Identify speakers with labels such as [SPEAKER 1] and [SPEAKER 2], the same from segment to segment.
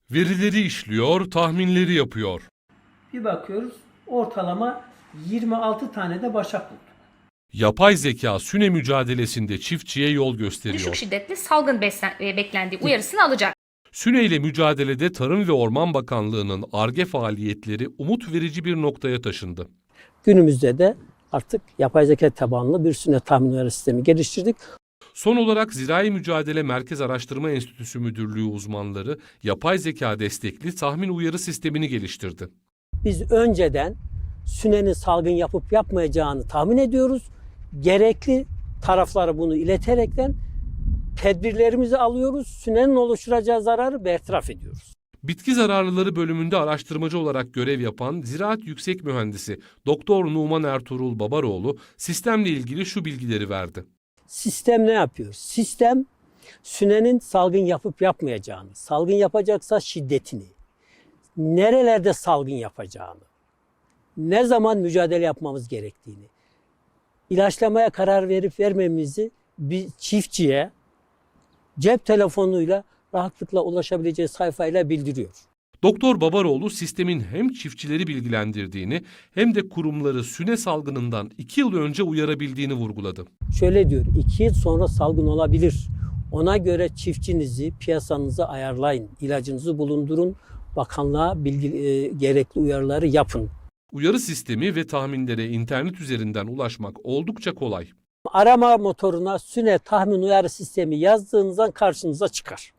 [SPEAKER 1] Verileri işliyor, tahminleri yapıyor.
[SPEAKER 2] Bir bakıyoruz ortalama 26 tane de başak bulduk.
[SPEAKER 1] Yapay zeka süne mücadelesinde çiftçiye yol
[SPEAKER 3] Düşük
[SPEAKER 1] gösteriyor.
[SPEAKER 3] şiddetli salgın beklendiği uyarısını alacak.
[SPEAKER 1] Süne ile mücadelede Tarım ve Orman Bakanlığı'nın Ar-Ge faaliyetleri umut verici bir noktaya taşındı.
[SPEAKER 4] Günümüzde de artık yapay zeka tabanlı bir süne tahmin uyarı sistemi geliştirdik.
[SPEAKER 1] Son olarak Zirai Mücadele Merkez Araştırma Enstitüsü Müdürlüğü uzmanları yapay zeka destekli tahmin uyarı sistemini geliştirdi.
[SPEAKER 4] Biz önceden sünenin salgın yapıp yapmayacağını tahmin ediyoruz. Gerekli taraflara bunu ileterekten tedbirlerimizi alıyoruz. Sünenin oluşturacağı zararı bertaraf ediyoruz.
[SPEAKER 1] Bitki zararlıları bölümünde araştırmacı olarak görev yapan Ziraat Yüksek Mühendisi Doktor Numan Ertuğrul Babaroğlu sistemle ilgili şu bilgileri verdi.
[SPEAKER 4] Sistem ne yapıyor? Sistem sünenin salgın yapıp yapmayacağını, salgın yapacaksa şiddetini, nerelerde salgın yapacağını, ne zaman mücadele yapmamız gerektiğini, ilaçlamaya karar verip vermemizi bir çiftçiye cep telefonuyla rahatlıkla ulaşabileceği sayfayla bildiriyor.
[SPEAKER 1] Doktor Babaroğlu sistemin hem çiftçileri bilgilendirdiğini hem de kurumları süne salgınından 2 yıl önce uyarabildiğini vurguladı.
[SPEAKER 4] Şöyle diyor, 2 yıl sonra salgın olabilir. Ona göre çiftçinizi, piyasanızı ayarlayın, ilacınızı bulundurun, bakanlığa gerekli uyarıları yapın.
[SPEAKER 1] Uyarı sistemi ve tahminlere internet üzerinden ulaşmak oldukça kolay.
[SPEAKER 4] Arama motoruna süne tahmin uyarı sistemi yazdığınızdan karşınıza çıkar.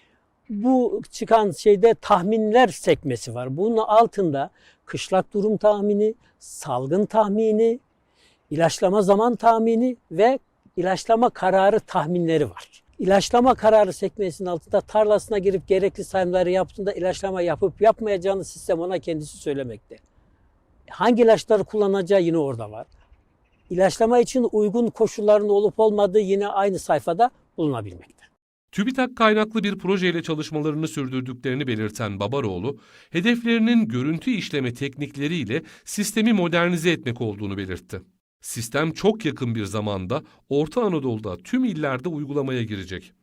[SPEAKER 4] Bu çıkan şeyde tahminler sekmesi var. Bunun altında kışlak durum tahmini, salgın tahmini, ilaçlama zaman tahmini ve ilaçlama kararı tahminleri var. İlaçlama kararı sekmesinin altında tarlasına girip gerekli sayımları yaptığında ilaçlama yapıp yapmayacağını sistem ona kendisi söylemekte. Hangi ilaçları kullanacağı yine orada var. İlaçlama için uygun koşulların olup olmadığı yine aynı sayfada bulunabilmekte.
[SPEAKER 1] TÜBİTAK kaynaklı bir projeyle çalışmalarını sürdürdüklerini belirten Babaroğlu, hedeflerinin görüntü işleme teknikleriyle sistemi modernize etmek olduğunu belirtti. Sistem çok yakın bir zamanda Orta Anadolu'da tüm illerde uygulamaya girecek.